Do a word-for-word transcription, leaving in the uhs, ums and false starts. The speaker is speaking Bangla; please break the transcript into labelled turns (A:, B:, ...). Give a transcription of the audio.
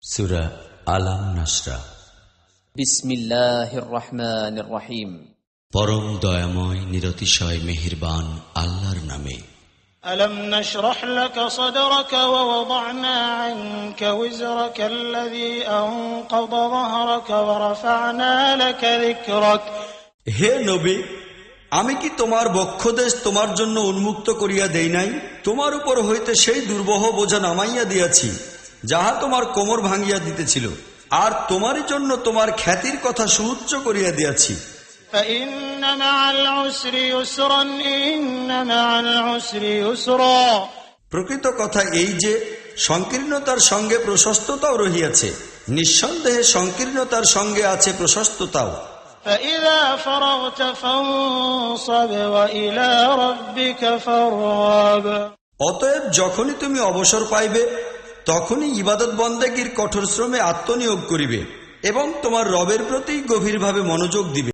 A: সূরা আলাম নাসরা।
B: বিসমিল্লাহির রহমানির রহিম।
A: পরম দয়াময় নিরতিশয় মেহেরবান আল্লাহর নামে।
C: ألم نشرح لك صدرك ووضعنا عنك وزرك الذي أنقض ظهرك ورفعنا لك ذكرك।
D: হে নবী, আমি কি তোমার বক্ষদেশ তোমার জন্য উন্মুক্ত করিয়া দেই নাই? তোমার উপর হইতে সেই দুর্বহ বোঝা নামাইয়া দিয়াছি, যাহা তোমার কোমর ভাঙিয়া দিতেছিল, আর তোমারই জন্য তোমার খ্যাতির কথা সুউচ্চ করিয়া দিয়াছি।
C: فإن مع العسر يسرا إن مع العسر يسرا।
D: প্রকৃত কথা এই যে সংকীর্ণতার সঙ্গে প্রশস্ততাও রহিয়াছে, নিঃসন্দেহে সংকীর্ণতার সঙ্গে আছে প্রশস্ততাও।
C: فإذا فرغت فانصب وإلى ربك فارغب।
D: অতএব যখনই তুমি অবসর পাইবে, তখনই ইবাদত বন্দেগীর কঠোর শ্রমে আত্মনিয়োগ করিবে এবং তোমার রবের প্রতি গভীরভাবে মনোযোগ দিবে।